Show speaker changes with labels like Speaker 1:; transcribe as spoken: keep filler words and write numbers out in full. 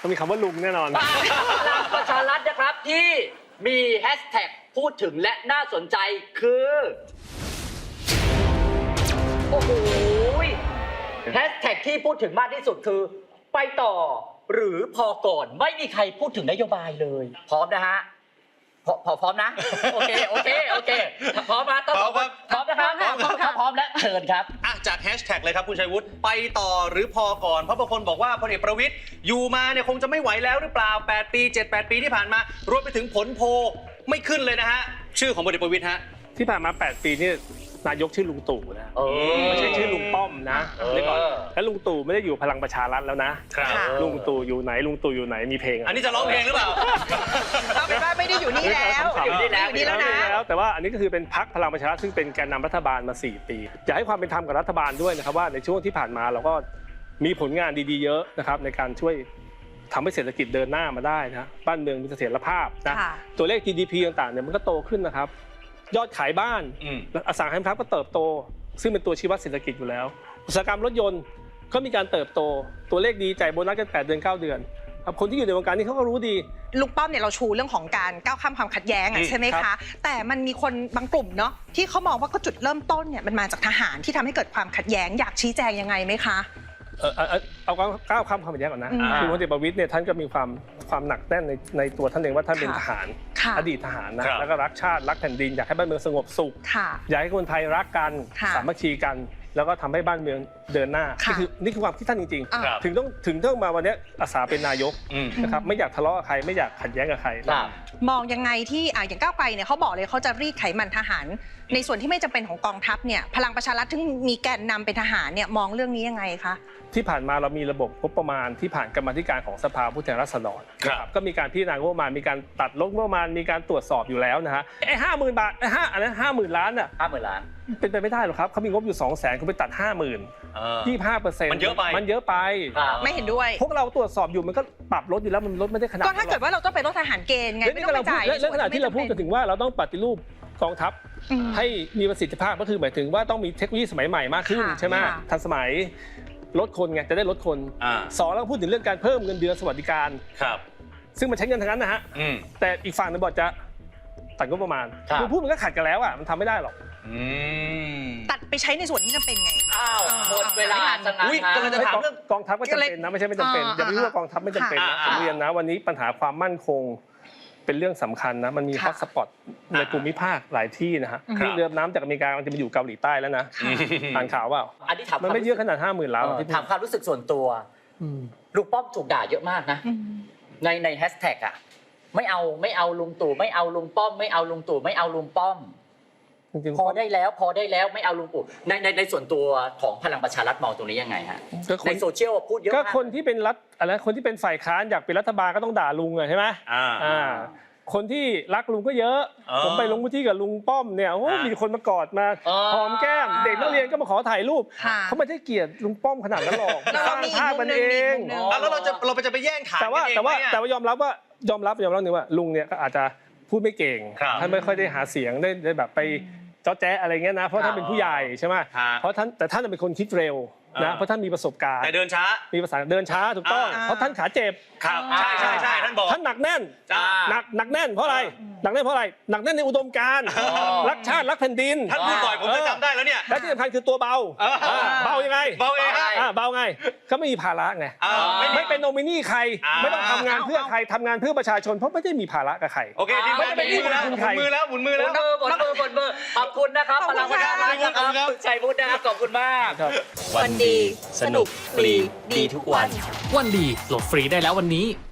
Speaker 1: ต้องมีคำว่าลุงแน่นอน
Speaker 2: พลังประชารัฐนะครับที่มีแฮชแท็กพูดถึงและน่าสนใจคือโอ้โหแฮชแท็กที่พูดถึงมากที่สุดคือไปต่อหรือพอก่อนไม่มีใครพูดถึงนโยบายเลยพร้อมนะฮะพอพอพร้อมนะโอเคโอเคโอเคพร้อมนะต้องพร้อมพร้อมนะครับพร้อมครับพร้อมแล้วเชิญครับ
Speaker 3: อ่ะจากแฮชแท็กเลยครับคุณชัยวุฒิไปต่อหรือพอก่อนเพราะบางคนบอกว่าพลเอกประวิตรอยู่มาเนี่ยคงจะไม่ไหวแล้วหรือเปล่าแปดปีเจ็ด แปดปีที่ผ่านมารวมไปถึงผลโพลไม่ขึ้นเลยนะฮะชื่อของพลเอกประวิตรฮะ
Speaker 1: ที่ผ่านมาแปดปีนี่นายกชื่อลุงตู่นะไม่ใช่ชื่อลุงป้อมนะเดี๋ยวก่อนแล้วลุงตู่ไม่ได้อยู่พลังประชารัฐแล้วนะลุงตู่อยู่ไหนลุงตู่อยู่ไหนมีเพลง
Speaker 3: อันนี้จะร้องเพลงหรือเปล่า
Speaker 4: เราเป็นว่าไม่ได้อยู่นี่แล้ว
Speaker 2: อยู่นี่แล้ว
Speaker 4: อยู่นี่แล้วนะ
Speaker 1: แต่ว่าอันนี้ก็คือเป็นพรรคพลังประชารัฐซึ่งเป็นแกนนำรัฐบาลมาสี่ปีอยากให้ความเป็นธรรมกับรัฐบาลด้วยนะครับว่าในช่วงที่ผ่านมาเราก็มีผลงานดีๆเยอะนะครับในการช่วยทำให้เศรษฐกิจเดินหน้ามาได้นะบ้านเมืองมีเสถียรภาพนะตัวเลข จี ดี พี ต่างๆเนี่ยมันก็โตขึ้นนะครับยอดขายบ้านอสังหาริมทรัพย์ก็เติบโตซึ่งเป็นตัวชี้วัดเศรษฐกิจอยู่แล้วอุตสาหกรรมรถยนต์ก็มีการเติบโตตัวเลขดีจ่ายโบนัสกันแปดเดือนเก้าเดือนคนที่อยู่ในวงการนี้เขาก็รู้ดี
Speaker 4: ลุงป้อมเนี่ยเราชูเรื่องของการก้าวข้ามความขัดแย้งใช่ไหมคะแต่มันมีคนบางกลุ่มเนาะที่เขามองว่าก็จุดเริ่มต้นเนี่ยมันมาจากทหารที่ทำให้เกิดความขัดแย้งอยากชี้แจงยังไงไหมคะ
Speaker 1: เออเอาก้าวข้ามความขัดแย้งก่อนนะคือพลเอกประวิตรเนี่ยท่านก็มีความความหนักแน่นในในตัวท่านเองว่าท่านเป็นทหารอดีตทหารนะแล้วก็รักชาติรักแผ่นดินอยากให้บ้านเมืองสงบสุขอยากให้คนไทยรักกันสามัคคีกันแล้วก็ทำให้บ้านเมืองเดินหน้านี่คือนี่คือความคิดท่านจริงๆถึงต้องถึงต้องมาวันนี้อาสาเป็นนายกนะครับไม่อยากทะเลาะกับใครไม่อยากขัดแย้งกับใคร
Speaker 4: มองยังไงที่อย่างก้าวไกลเนี่ยเขาบอกเลยเขาจะรีดไขมันทหารในส่วนที่ไม่จำเป็นของกองทัพเนี่ยพลังประชารัฐที่มีแกนนำเป็นทหารเนี่ยมองเรื่องนี้ยังไงคะ
Speaker 1: ที่ผ่านมาเรามีระบบงบประมาณที่ผ่านกรรมาธิการของสภาผู้แทนราษฎรนะครับก็มีการพิจารณางบประมาณมีการตัดลดงบประมาณมีการตรวจสอบอยู่แล้วนะฮะไอ้ห้าหมื่นบาทไอ้ห้าอันนั้นห้าหมื่นล้านอ่ะ
Speaker 2: ห้าหมื่นล้าน
Speaker 1: เป็นไปไม่ได้หรอกครับเขามีงบอยู่สองแสนเขาไปตัดห้าหมื่นยี่สิบห้าเปอร์เซ็นต์
Speaker 3: มันเยอะไป
Speaker 1: มันเยอะไป
Speaker 4: ไม่เห็นด้วย
Speaker 1: พวกเราตรวจสอบอยู่มันก็ปรับลดอยู่แล้วมันลดไม่ได้ขนาด
Speaker 4: ก็ถ้าเกิดว่าเราต้องไปลดทหารเกณฑ์ไงไม่ต้องไปจ่าย
Speaker 1: เรื่องขนาดที่เราพูดกันถึงว่าเราต้องปฏิรูปกองทัพให้มีประสิทธิภาพก็คือหมายถึงว่าต้องมีเทคโนโลยีสมัยใหม่มากขึ้นใช่ไหมทันสมัยลดคนไงจะได้ลดคนสองแล้วพูดถึงเรื่องการเพิ่มเงินเดือนสวัสดิการ
Speaker 3: ครับ
Speaker 1: ซึ่งมันใช้เงินทั้งนั้นนะฮะแต่อีกฝั่งนึงบอกจะตัดงบประมาณคือพูดมันก็ขัดกันแล้วอ่ะมันทำไม่ได้หรอก
Speaker 4: ตัดไปใช้ในส่วนที่จำเป็นไง
Speaker 2: อ้าวหมดเวลาสังหาร
Speaker 3: กำลังจะถามเรื่อง
Speaker 1: กองทัพก็จำเป็นนะไม่ใช่ไม่จำเป็นอย่าไปพูดว่ากองทัพไม่จำเป็นนะผมเรียนนะวันนี้ปัญหาความมั่นคงเป็นเรื่องสำคัญนะมันมีฮอตสปอตในภูมิภาคหลายที่นะฮะเรือน้ำจากอเมริกามันจะมาอยู่เกาหลีใต้แล้วนะอ่านข่าวว่า
Speaker 2: อันนี้ถาม
Speaker 1: มันไม่เยอะขนาดห้าหมื่นล้าน
Speaker 2: ถามความรู้สึกส่วนตัวลุงป้อมถูกด่าเยอะมากนะในในแฮชแท็กอ่ะไม่เอาไม่เอาลุงตู่ไม่เอาลุงป้อมไม่เอาลุงตู่ไม่เอาลุงป้อมพอได้แล้วพอได้แล้วไม่เอาลุงตู่ในในในส่วนตัวของพลังประชารัฐมองตรงนี้ยังไงฮะในโซเชียลพูดเยอะ
Speaker 1: ก็คนที่เป็นรัฐอะไรคนที่เป็นฝ่ายค้านอยากเป็นรัฐบาลก็ต้องด่าลุงใช่ไหมอ่าคนที่รักลุงก็เยอะผมไปลงพื้นที่กับลุงป้อมเนี่ยโอ้มีคนมากอดมาหอมแก้มเด็กนักเรียนก็มาขอถ่ายรูปเขาไม่ได้เกลียดลุงป้อมขนาดนั้นหรอกสร้างภาพมันเอง
Speaker 3: แล้วเราจะเราจะไปแย่งถ่าย
Speaker 1: แต่ว่าแต่ว่าแต่ว่ายอมรับว่ายอมรับยอมรับหนึ่งว่าลุงเนี่ยก็อาจจะพูดไม่เก่งท่านไม่ค่อยได้หาเสียงได้แบบไปเจ้าแจ๊อะไรเงี้ยนะเพราะท่านเป็นผู้ใหญ่ใช่ไหมเพราะท่านแต่ท่านเป็นคนคิดเร็วนะเพราะท่านมีประสบการณ์
Speaker 3: แต่เดินช้า
Speaker 1: มีภาษาเดินช้าถูกต้องเพราะท่านขาเจ็บ
Speaker 3: ครับใช่ใช่ใช่ท่านบอก
Speaker 1: ท่านหนักแน่นหนักหนักแน่นเพราะอะไรหนักแน่นเพราะอะไรหนักแน่นในอุดมการณ์รักชาติรักแผ่นดิน
Speaker 3: ท่านพูดบ่อยผมจะจำได้แล้วเนี่ย
Speaker 1: และที่สำคัญคือตัวเบาเบายังไง
Speaker 3: เบาเอง
Speaker 1: เบาไงก็ไม่มีภาระไงไม่เป็นโนมินีใครไม่ต้องทำงานเพื่อใครทำงานเพื่อประชาชนเพราะไม่ได้มีภาระกับใคร
Speaker 3: โอเคทีมไม่ได้เป็นหมุนมือแล้วหมุนมือแล้ว
Speaker 2: หมุนมือหมุนมือหมุนมือขอบคุณนะครับพลังประชารัฐนะครับชัยวุฒินะครับขอบคุณมาก
Speaker 4: วันดีสนุกฟรีดีทุกวัน
Speaker 5: วันดีโหลดฟรีได้แล้ววันนี้